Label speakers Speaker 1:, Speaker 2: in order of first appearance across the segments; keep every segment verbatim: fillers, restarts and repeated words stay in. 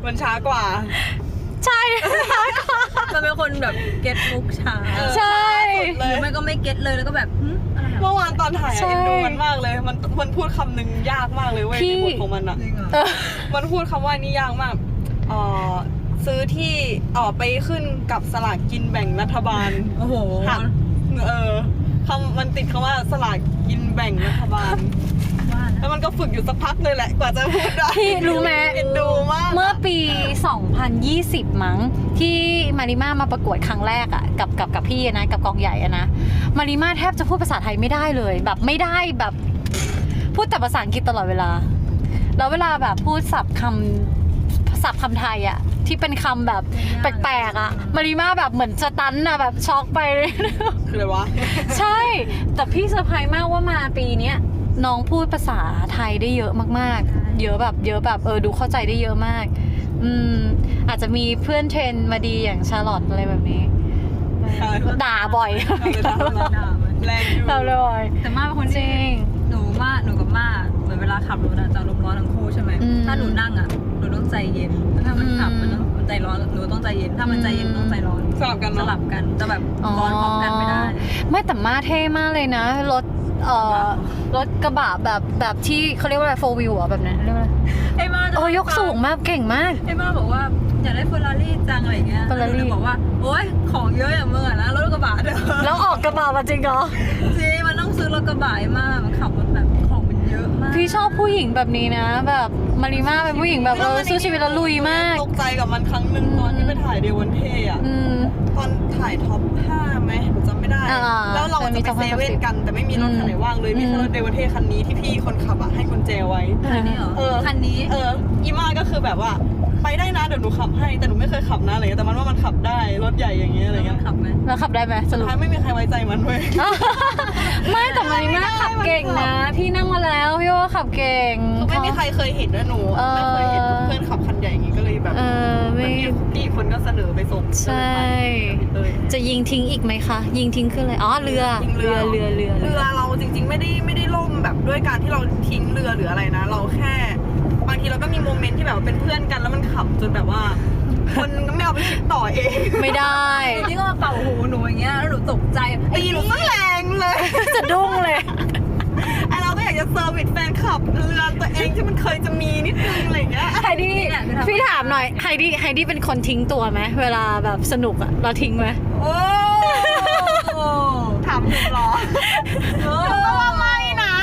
Speaker 1: มันช้ากว่า
Speaker 2: ใช่
Speaker 3: มันเป็นคนแบบเก็ตมุกช้า
Speaker 2: ใช่
Speaker 3: หรือไม่ก็ไม่เก็ตเลยแล้วก็แบบ
Speaker 1: เมื่อวานตอนถ่ายเอ็นดูมันมากเลยมันมันพูดคำหนึ่งยากมากเลยเว้ยที่พูดของมันอ่ะมันพูดคำว่านี่ยากมากอ๋อซื้อที่ออกไปขึ้นกับสลากกินแบ่งรัฐบาล
Speaker 3: โอ้โห
Speaker 1: เออคำมันติดคำว่าสลากกินแบ่งรัฐบาลแล้วมันก็ฝึกอยู่สักพักเลยแหละกว่าจะพูดได้
Speaker 2: พี่รู้ไหม
Speaker 1: เอ็นดูมาก
Speaker 2: เมื่อปีสองพันยี่สิบมั้งที่มาริมามาประกวดครั้งแรกอ่ะกับกับกับพี่นะกับกองใหญ่อะนะมาริมาแทบจะพูดภาษาไทยไม่ได้เลยแบบไม่ได้แบบพูดแต่ภาษาอังกฤษตลอดเวลาแล้วเวลาแบบพูดศัพท์คำศัพท์คำไทยอ่ะที่เป็นคำแบบแปลกๆอ่ะมาริมาแบบเหมือนสตันอะแบบช็อกไป
Speaker 1: คืออะไรวะ
Speaker 2: ใช่แต่พี่เซอร์ไพรส์มากว่ามาปีเนี้ยน้องพูดภาษาไทยได้เยอะมากๆเยอะแบบเยอะแบบเออดูเข้าใจได้เยอะมากอืมอาจจะมีเพื่อนเทรนมาดีอย่างชาร์ลอตอะไรแบบนี้ด่าบ่อย
Speaker 1: แรงอยู่
Speaker 2: ด่าบ่อย
Speaker 3: แต่มาเป็นคนจริงหนูมาหนูกับมาเหมือนเวลาขับรถจะลมร้อนทั้งคู่ใช่ไหมถ้าหนูนั่งอ่ะหนูต้องใจเย็นถ้ามันขับมันต้องใจร้อนหนูต้องใจเย็นถ้ามันใจเย็นต้องใจร้อน
Speaker 1: สลับกัน
Speaker 3: สลับกันจะแบบร้อนพร้อมกันไม่ได้
Speaker 2: ไม่แต่มาเท่มากเลยนะรถเอ่อรถกระบะแบบแบบที่เขาเรียกว่าอะไรโฟร์วิวอ่ะแบบนั้นเรียกว่า
Speaker 3: ไอ้มา
Speaker 2: โอ้ยกสูงมากเก่งมาก
Speaker 3: ไอ้มาบอกว่าอยากได้เฟอร์รารี่จังอะไรเงี้ยเฟอร์รารี่บอกว่าโอ๊ยของเยอะอย่างเมื่อนะรถกระบะเด้อ
Speaker 2: แล้วออกกระบะมาจริงเหรอ
Speaker 3: จริงมันต้องซื้อรถกระบะมากมันขับรถแบบของมันเยอะมาก
Speaker 2: พี่ชอบผู้หญิงแบบนี้นะแบบมาริมาเป็นผู้หญิงแบบเออสู้ชีวิตแล้วลุยมาก
Speaker 1: ตกใจกับมันครั้งหนึ่งตอนที่ไปถ่ายเดวันเทอ่ะตอนถ่ายท็อปห้าไหมหนูจำไม่ได้แล้วเราจะไปเซเว่นกันแต่ไม่มีรถคันไหนว่างเลยมีแค่รถเดวันเทคันนี้ที่พี่คนขับอ่ะให้กุญแจไว้
Speaker 3: คันนี้เหรอเออคันนี้
Speaker 1: เอออีมาก็คือแบบว่าไปได้นะเดี๋ยวหนูขับให้แต่หนูไม่เคยขับนะอะไรเงี้ยแต่มันว่ามันขับได้รถใหญ่อย่างเงี้ยอะไรเงี้ย
Speaker 3: ขับไหม
Speaker 2: แล้วขับได้ไหม
Speaker 1: สุดท้ายไม่มีใครไว้ใจมันเว้ย
Speaker 2: ไม่แต่มาริมาขับเก่งนะพี่นั่งมาแล้วพี่ว่าขับเก่ง
Speaker 1: ไม่มีใครเคยเห็นนะหนูไม่เคยเห็นเพื่อนขับคันใหญ่อย่างงี้ก็เลยแบบ
Speaker 2: เออไม่
Speaker 1: พี่คนก็เสนอไปส่ง
Speaker 2: ใช่จะยิงทิ้งอีกไหมคะยิงทิ้งขึ้นเลยอ๋อเรือเรือเรือเรือ
Speaker 1: เรือเราจริงๆไม่ได้ไม่ได้ล่มแบบด้วยการที่เราทิ้งเรือหรืออะไรนะเราแค่บางทีเราก็มีโมเมนต์ที่แบบเป็นเพื่อนกันแล้วมันขับจนแบบว่าคนก็ไม่เอาไปคิดต่อเอง
Speaker 2: ไม่ได้
Speaker 3: ที่ก็มาเป่าหูหนูอย่างเงี้ยแล้วหนูตกใจ
Speaker 1: ตีหนูซะแรงเลย
Speaker 2: จะดุ้งเลย
Speaker 1: ไอเราก็อยากจะเซอร์วิสแฟนคลับเรือตัวเองที่มันเคยจะมีนิดนึงอะไรเงี้ย
Speaker 2: ไฮดี้พี่ถามหน่อยไฮดี้ไฮดี้เป็นคนทิ้งตัวไหมเวลาแบบสนุกอะเราทิ้งไหม
Speaker 1: โอ้ถามหนูหรอเออว่าไม่นะ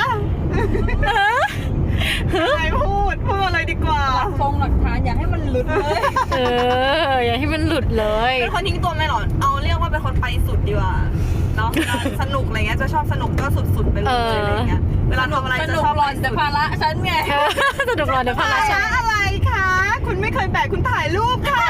Speaker 1: ไม่พูดพูดอะไรดีกว่า
Speaker 3: ฟงหลักฐานอยากให้มันหลุดเลย
Speaker 2: เอออยากให้มันหลุดเลย
Speaker 1: เป็นคนทิ้งตัวไม่หรอเอาเรียกว่าเป็นคนไปสุดดีกว่าเนาะสนุกอะไรเงี้ยจะชอบสนุกก็สุดๆไปเลยอะไรเงี้ยเวลาทำอะไรจะชอบ
Speaker 3: รอนแต่ภาระฉันไง
Speaker 2: สนุกรอนแต่ภาระฉัน
Speaker 1: อะไรคะคุณไม่เคยแบกคุณถ่ายรูปค่ะ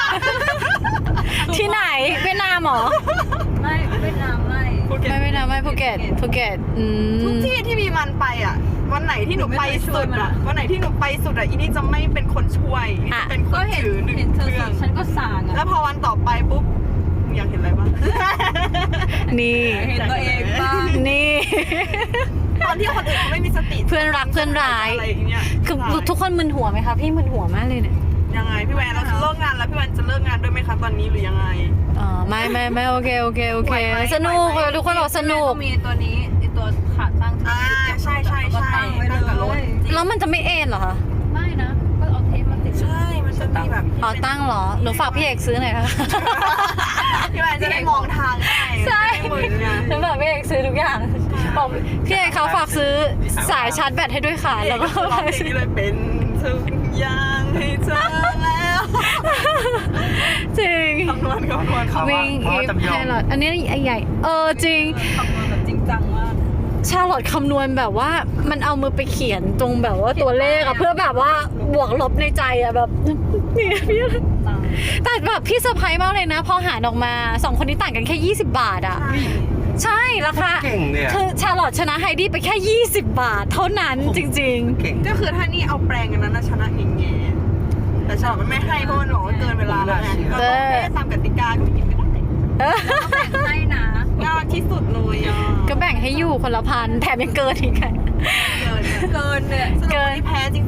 Speaker 2: ที่ไหนเวียดนามหรอ
Speaker 3: ไม่เวียดนามไม่
Speaker 2: ไม่เวียดนามไม่ภูเก็ตภูเก็ต
Speaker 1: ทุกที่ที่มีมันไปอ่ะวันไหนที่หนูไปสุดอ่ะวันไหนที่หนูไปสุดอ่ะอีนี่จะไม่เป็นคนช่วยจะเป็นคนถือหนึ่งเครื่อง
Speaker 3: ฉันก็สั่ง
Speaker 1: แล้วพอวันต่อไปปุ๊บอยากเห็นอะไรบ้าง
Speaker 2: นี่
Speaker 3: เห็นตัวเองบ้าง
Speaker 2: นี่
Speaker 1: ตอนที่คนอื่นไม่มีสติ
Speaker 2: เพื่อนรักเพื่อนร้าย
Speaker 1: อะไรอย่างเงี้ย
Speaker 2: คือทุกคนมึนหัวไหมคะพี่มึนหัวมากเลยเนี่ย
Speaker 1: ยังไงพี่แวนเราจะเลิกงานแล้วพี่แวนจะเลิกงานด้วยไหมคะตอนนี้หรือยังไง
Speaker 2: อ๋อไม่ไม่ไม่โอเคโอเคโอเคสนุกทุกคนบอกสนุก
Speaker 3: มีตัวนี้ตัวขาตั้ง
Speaker 1: อ่าใช่ใช่ใช่ตั้งกับรถ
Speaker 2: แล้วมันจะไม่เอ็นเหรอคะ
Speaker 3: ไม่นะก็เอาเทปมาติด
Speaker 1: ใช่มันจะมีแบบ
Speaker 2: อ๋อตั้งเหรอหนูฝากพี่เอกซื้อหน่อยค่ะ
Speaker 1: พี่แวนจะได้มองทางได้
Speaker 2: ใช่หนูฝากพี่เอกซื้อทุกอย่างบอกพี่เอกเขาฝากซื้อสายชาร์จแบตให้ด้วยค่ะแล้วก็
Speaker 1: ซื้อเลยเป็นทุกอย่างให้เธอแล้ว
Speaker 2: จริง
Speaker 1: คำนวณคำนวณเขา
Speaker 2: วิ่งอีฟแครอทอันนี้ใหญ่เออจริง
Speaker 3: คำนวณแบบจริงจังมาก
Speaker 2: ชาร์ลอตคำนวณแบบว่ามันเอามือไปเขียนตรงแบบว่าตัวเลขอะเพื่อแบบว่าบวกลบในใจอะแบบนี่พี่แต่แบบพี่เซอร์ไพรส์มากเลยนะพอหารออกมาสองคนนี้ต่างกันแค่ยี่สิบบาทอะใช่ราคาคือชาร์ลอตชนะไฮดี้ไปแค่ยี่สิบบาทเท่านั้นจริง
Speaker 1: ๆก็คือถ้านี่เอาแปลงกันนั้นชนะเงี้ยแต่ชาร์ลอตมันไม่ให้เพราะมันบอกว่าเกินเวลาแล้วไงก็ต้องตามกติกาก็ไม่กินไม่ได้
Speaker 3: ให้นะ
Speaker 1: ยากที่สุดเลยอ่ะ
Speaker 2: ก็แบ่งให้อยู่คนละพันแถมยังเกินอีก
Speaker 1: เกินเกินเนี่ยเกินที่แพ้จริงๆ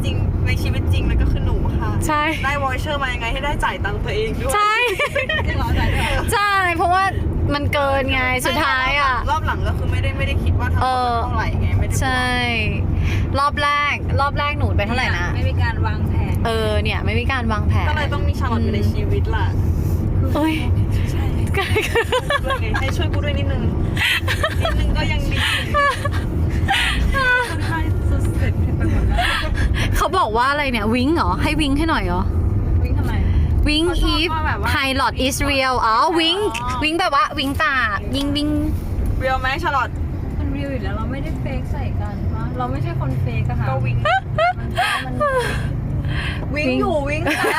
Speaker 1: ในชีวิตจริงแล้วก็คือหนูค่ะ
Speaker 2: ใช่
Speaker 1: ได้วอยเชอร์มายังไงให้ได้จ่ายตังค์ตัวเองด้วย
Speaker 2: ใช่
Speaker 3: จริงเหรอจ่ายด้วยเหรอ
Speaker 2: ใช่เพราะว่ามันเกินไงสุดท้ายอ่ะ
Speaker 1: รอบหลังก็คือไม่ได้ไม่ได้คิดว่าทั้งหมดมันเท่าไหร่ไงไม่ได้บอก
Speaker 2: ใช่ รอบแรก รอบแรกหนูไปเท่าไหร่นะ
Speaker 3: ไม่มีการวางแผน
Speaker 2: เออเนี่ยไม่มีการวางแผน
Speaker 1: ก็เลยต้องมีชาลอตอยู่ในชีวิตล่ะ
Speaker 2: เอ้ย
Speaker 1: ใช่ด้วยไงให้ช่วยกูด้วยนิดนึงนิดนึงก็ยังดี
Speaker 3: ค่อนข้างสุดเสร็จไปหมดแล้ว
Speaker 2: เขาบอกว่าอะไรเนี่ยวิงเหรอให้วิงให้หน่อยเหรอ
Speaker 3: วิ่งทำไม
Speaker 2: วิง
Speaker 3: เขาชอบ
Speaker 2: อีฟ
Speaker 3: ว่าแบบว่า
Speaker 2: ไพลอตอิสเรียลอ๋อวิง
Speaker 3: อ๋อ
Speaker 2: วิงแบบว่าวิงตายิงวิง
Speaker 1: เรียลไหมชาลอต
Speaker 3: มันรีวอยู่แล้วเราไม่ได้เฟกใส่กันวะเราไม่ใช่คนเฟกอะค่ะ
Speaker 1: ก็วิ่ง
Speaker 3: มัน
Speaker 1: วิ่งอยู่วิ่งจ้า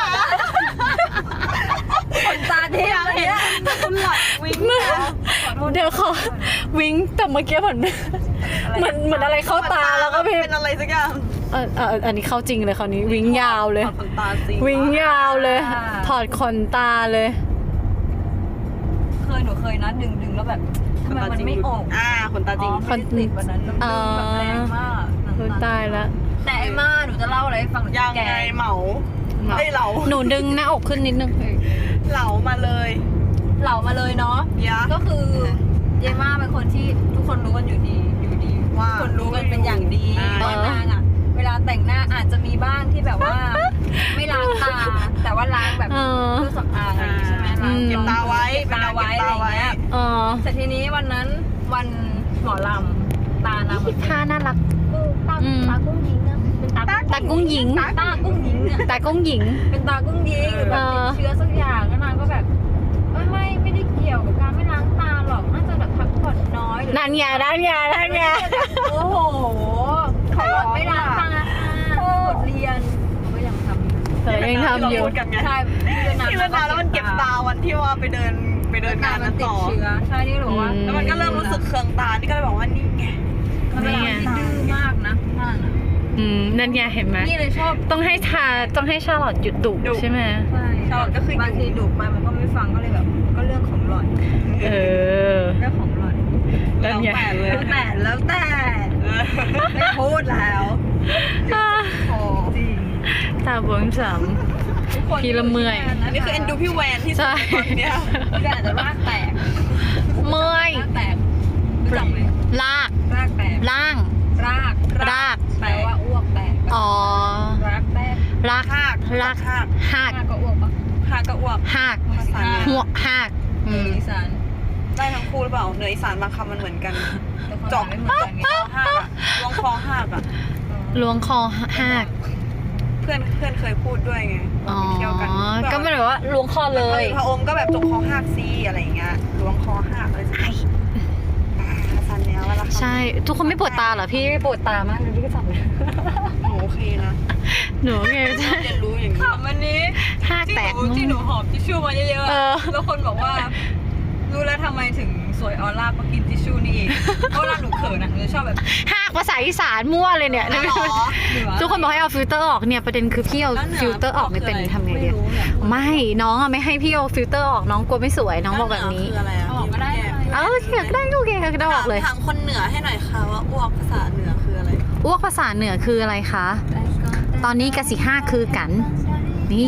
Speaker 3: คนตาเทียมอะไรเนี่ย
Speaker 1: คุณหลอดวิ่ง
Speaker 3: ขอโทษ
Speaker 2: เดี๋ยวขอวิงแต่เมื่อกี้เหมือนเหมือนเหมือนอะไรเข้าตาแล้วก็พี่
Speaker 1: เป็นอะไรสักอย่าง
Speaker 2: เออเอออันนี้เข้าจริงเลยคราวนี้วิงยาวเลย
Speaker 1: ถอดขนตาจริง
Speaker 2: วิงยาวเลย ถอดขนตาเลย
Speaker 3: เคยหนูเคยนะดึงดึงแล้วแบบทำไมมันไม่ออก
Speaker 1: อ่าขนตาจริง
Speaker 3: อ๋อไม่ได้ติดวันนั้นมันดึงแบบแรงมาก
Speaker 2: โอ้ยตายแล้ว
Speaker 3: แต่ไอ้มาหนูจะเล่าอะไรให้ฟังหนู
Speaker 1: ยัง
Speaker 3: แก
Speaker 1: ไงเหมาไอ้เหลา
Speaker 2: หนูดึงหน้าอกขึ้นนิดนึง
Speaker 1: เหลามาเลย
Speaker 3: เหล่ามาเลยเนาะ
Speaker 1: ยะ
Speaker 3: ก็คือเยม่าเป็นคนที่ทุกคนรู้กันอยู่ดีอยู่ดี
Speaker 1: ว่า
Speaker 3: ทุกคนรู้กันเป็นอย่างดี
Speaker 1: อ่า
Speaker 3: ว่านางอ่ะ เวลาแต่งหน้าอาจจะมีบ้างที่แบบว่า ไม่ล้างตา แต่ว่าล้างแบบ
Speaker 2: เออ
Speaker 3: เครื่องสำอางอะไรอย่างงี้ใช่ไหมล้าง
Speaker 2: อืม
Speaker 1: เก็บตาไว้
Speaker 3: เก็บตาไว้
Speaker 1: เก็บ
Speaker 3: อะไร
Speaker 1: ตา
Speaker 3: อย่าง
Speaker 1: ไว้
Speaker 3: เงี้ย
Speaker 2: อ๋อ
Speaker 3: แต่ทีนี้วันนั้นวันหมอลำตานางเหมือน
Speaker 2: ท่าน่ารัก
Speaker 3: ตา
Speaker 2: อืม
Speaker 3: ตากุ้งยิงอะเป็นตา
Speaker 2: ตากุ้งหญิง
Speaker 3: ตากุ้งยิงอะ
Speaker 2: ตากุ้งหญิง
Speaker 3: เป็นตากุ้งยิงหรือแบบ
Speaker 2: เออ
Speaker 3: ติดเชื้อสักอย่างแล้วนางก็แบบไม่ไม่ไม่ได้เกี่ยวกับการไม่ล้างตาหรอกน่าจะแบบพักผ่อนน้อยหรือ
Speaker 2: นั่นไงนั่นไงนั่นไง
Speaker 3: โอ้โหเขาบอกไม่ล้างตาบทเรียนก็ยังทำอยู่
Speaker 2: เธอยังทำอยู่
Speaker 1: พูดกันไง
Speaker 3: ใช่ที่
Speaker 1: ที่เวลาแล้วมันเก็บตาวันที่ว่าไปเดินไปเดินงาน
Speaker 3: มั
Speaker 1: นั้น น
Speaker 3: ติด
Speaker 1: ต่อ
Speaker 3: เชื้อใช่นี่หนูว่า
Speaker 2: อื
Speaker 1: แล้วมันก็เริ่มรู้สึกเคืองตา นี่ก็เลยบอกว่านี่ไง
Speaker 3: มันเป็นอะไรที่ดื้อมากนะนั่นน่ะ
Speaker 2: อืมนั่นไงเห็นไหม
Speaker 3: นี่เลยชอบ
Speaker 2: ต้องให้ทาต้องให้ชาลอตหยุดดุ
Speaker 1: ดุ
Speaker 2: ใช่ไหม
Speaker 3: ใช่ชอบก็คือบางทีดุไปมันก็ไม่ฟังก็เลยแบบก็เรื่องของหล่อน
Speaker 2: เออ
Speaker 3: เรื่องของหล่อน
Speaker 2: นั่นไง
Speaker 1: แล้วแต่เลย
Speaker 3: แล้วแต่แล้วแต่
Speaker 1: เออ
Speaker 3: ไม่พูดแล้วพอจริง
Speaker 2: ตาบวมสาม พี่ละเมื่อย
Speaker 1: อันนี้คือเอ็นดูพี่แวนที่สุด
Speaker 2: ใช่
Speaker 1: ตอนเนี้ย
Speaker 3: พี่แวนอาจจะรากแตก
Speaker 2: เมื่อย
Speaker 3: รากแตกรู้จักไหม
Speaker 2: ลาก
Speaker 3: รากแตก
Speaker 2: ล่าง
Speaker 3: ราก
Speaker 2: ราก
Speaker 3: แปลว่าอ้วกแตก
Speaker 2: อ๋อ
Speaker 3: รากแตก
Speaker 2: ลาก
Speaker 1: หาก
Speaker 2: ลาก
Speaker 1: หาก
Speaker 2: หาก
Speaker 3: รากก็อ้วกปะ
Speaker 1: หากกับอ้วก
Speaker 2: หาก
Speaker 1: ภาษาเหนือ
Speaker 2: หัวหาก
Speaker 3: เอ
Speaker 2: อื
Speaker 3: อ
Speaker 2: ม
Speaker 3: อีสาน
Speaker 1: ได้ทั้งคู่หรือเปล่าเหนืออีสานบางคำมันเหมือนกัน
Speaker 3: แต่ความห
Speaker 1: เจาะ
Speaker 3: มายไม่เหมือนกันไง
Speaker 1: คอหากอะลวงคอหากอะ
Speaker 2: ล้วงคอหาก
Speaker 1: เพื่อนเพื่อนเคยพูดด้วยไง
Speaker 2: อ๋อ
Speaker 1: ไปเที่ยวกัน
Speaker 2: ก็ไม่ได้ว่าล้วงคอเลย
Speaker 1: พระอมก็แบบจกคอหักซีอะไรอย่างเงี้ยล้วงคอหักอะไรสักอย่างอ่าสันเนี้ยเวลา
Speaker 2: ใช่ ทุกคนไม่ปวดตาเหรอพี่ไม่ปวดตามากเลยพี่ก็จับเลย
Speaker 1: หนูโอเคนะ
Speaker 2: หนูไงใช่
Speaker 1: เรียนรู้อย่างนี้
Speaker 3: ถามวันนี้
Speaker 2: หาก
Speaker 3: ที่
Speaker 2: แต
Speaker 3: ห
Speaker 2: ก
Speaker 3: นูที่หนูหอบทิชชู่มาเยอะ
Speaker 2: เออ
Speaker 3: ๆแล้วคนบอกว่า รู้แล้วทำไมถึงสวยออร่าเพราะกินทิชชู่นี่เองเพราะเวลาหนูเขินอะหนูจะชอบแบบ
Speaker 2: หากภาษาอีสานมั่วเลยเนี่ย
Speaker 3: อ๋อเหนือ
Speaker 2: ทุกคนบอกให้เอาฟิลเตอร์ออกเนี่ยประเด็นคือพี่เอา
Speaker 3: แล้วหนื
Speaker 2: ฟิลเตอร์ออกไม่เป็นทำไงดี
Speaker 3: ม่รู้เนี่ย
Speaker 2: ไม่น้องอะไม่ให้พี่เอาฟิลเตอร์ออกน้องกลัวไม่สวยน้องบอกแบบนี้
Speaker 1: คืออะไรอะ
Speaker 3: เอาออกก็ได้
Speaker 2: เออโอเคก็ได้โอเคก็ได้ออกเลย
Speaker 1: ถามคนเหนือให้หน่อยค่ะว่าอ้วกภาษาเหนือคืออะไร
Speaker 2: อ้วกภาษาเหนือคืออะไรคะ ตอนนี้กสิห้าคือกัน นี่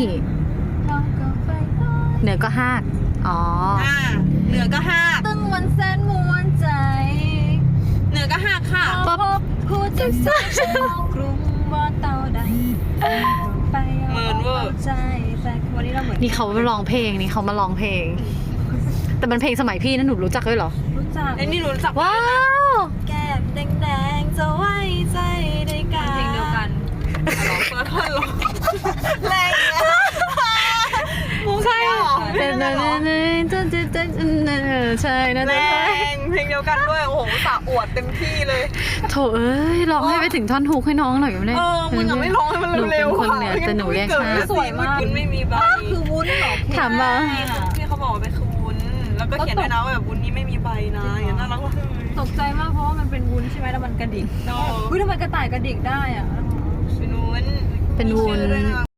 Speaker 2: เหนือก็ห้ากอ๋อ
Speaker 1: อ่าเหนือก็หัก
Speaker 3: ตึงวันแสนมวนใจ
Speaker 1: เหนือก็หักค่ะ
Speaker 3: พบผู้จัดสรรชาวกรุงว่าเต่าใดไปเอาใจแต่วันนี้เราเหมือน
Speaker 2: นี่เขามาร้องเพลงนี่เขามาร้องเพลง แต่มันเพลงสมัยพี่นะหนูรู้จักด้วยเหรอ
Speaker 3: รู้จัก
Speaker 1: ไอ้นี่รู้จัก
Speaker 2: ว้าว
Speaker 1: แก้มแดงๆจะไว้ใจได้กัน
Speaker 3: เพลงเดียวกัน
Speaker 1: ร้องคนละท่อนร้องแรงเนี่ยมูใช่หรอ
Speaker 2: เต้นเต้นเต้นเต้นเต้นเต้นใช่นะ
Speaker 1: แร
Speaker 2: เต้น
Speaker 1: งเพลงเดียวกันด้วยโอ้โหสาอวดเต็มที่เลย
Speaker 2: โถเอ้ยร้องให้ไปถึงท่อนฮุกให้น้องหน่อยไม่ได้
Speaker 1: เออมึงอะไม่ร้องให้มันเร็วๆ
Speaker 2: หนูเป็นคนเหนือแต่หนูเรียกช้า
Speaker 1: สวยมากมันไม่มีใบ
Speaker 3: คือวุ้นเหรอ
Speaker 2: ถามมา
Speaker 1: พี่เขาบอกว่าเป็นคือวุ้นแล้วก็เขียนด้วยนะว่าแบบวุ้นนี้ไม่มีใบนะอย่างนั้นน่ารักมากเลย
Speaker 3: ตกใจมากเพราะว่ามันเป็นวุ้นใช่ไหมแล้วมันกระดิก
Speaker 1: เนาะ
Speaker 3: อุ้ยทำไมกระต่ายกระดิกได้อ่ะ
Speaker 1: เป็นวุ้น
Speaker 2: เป็นวุ้น
Speaker 1: มีชื่อด้วยะ